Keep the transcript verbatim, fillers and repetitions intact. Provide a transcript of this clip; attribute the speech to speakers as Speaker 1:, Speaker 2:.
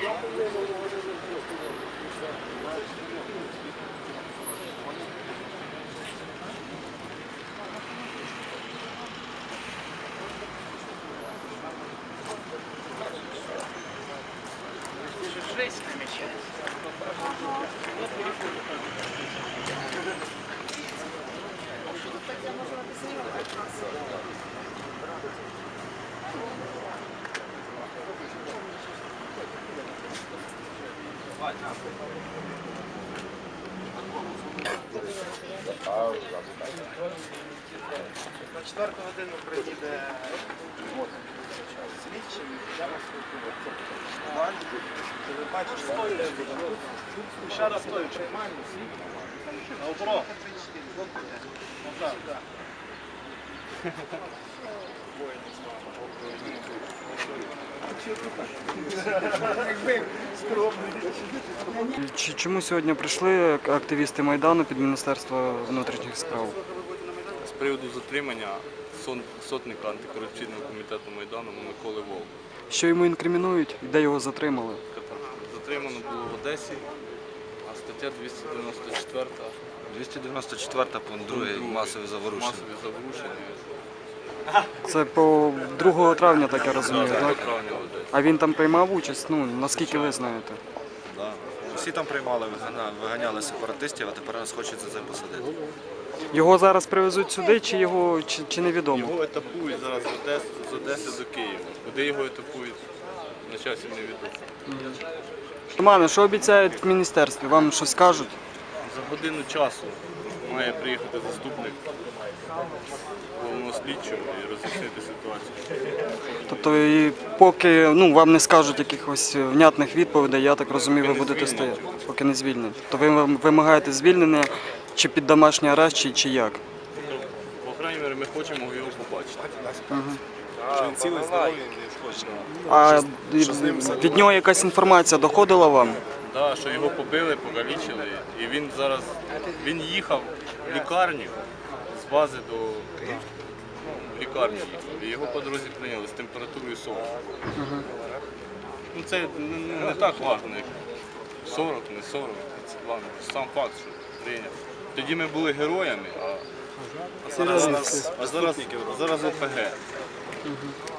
Speaker 1: Жесть намечается.
Speaker 2: На четверту годину приїде слідчий, йдемо спілкуватися. Ви бачите, ще раз стоючи, нормально, Наоборот. Назад, так.
Speaker 3: Чому сьогодні прийшли активісти Майдану під Міністерство внутрішніх справ?
Speaker 4: З приводу затримання сотника антикорупційного комітету Майдану Миколи Вовка.
Speaker 3: Що йому інкримінують і де його затримали?
Speaker 4: Затримано було в Одесі, а стаття двісті дев'яносто четверта.
Speaker 5: двісті дев'яносто четверта, пункт другий, масові заворушення.
Speaker 4: Масові заворушення.
Speaker 3: Це по другого травня, так я розумію, так?
Speaker 4: Травня в Одесі.
Speaker 3: А він там приймав участь? Ну, наскільки ви знаєте?
Speaker 5: Да. Всі там приймали, виганяли, виганяли сепаратистів, а тепер нас хочуть за це посадити.
Speaker 3: Його зараз привезуть сюди, чи його чи, чи невідомо?
Speaker 4: Його етапують зараз з Одеси, з Одеси до Києва. Куди його етапують, на часі невідомо.
Speaker 3: Романе, що обіцяють в міністерстві? Вам щось кажуть?
Speaker 4: За годину часу має приїхати заступник головного слідчого і роз'яснити ситуацію.
Speaker 3: Тобто, і поки ну, вам не скажуть якихось внятних відповідей, я так розумію, ви
Speaker 4: не
Speaker 3: будете
Speaker 4: звільнять.
Speaker 3: стояти, поки не звільнять. То ви вимагаєте звільнення чи під домашній арешт, чи, чи як?
Speaker 4: По крайній мірі, ми хочемо його побачити.
Speaker 5: Що він цілий, здоровий, не схоче.
Speaker 3: А від нього якась інформація доходила вам?
Speaker 4: Да, що його побили, покалічили, і він зараз він їхав в лікарню з бази до в лікарню їхав, і його по дорозі прийняли з температурою сорок. Ну це не, не так важливо, як сорок, не сорок, це важливо. Сам факт, що прийняв. Тоді ми були героями, а, а зараз, а зараз, а зараз ОПГ.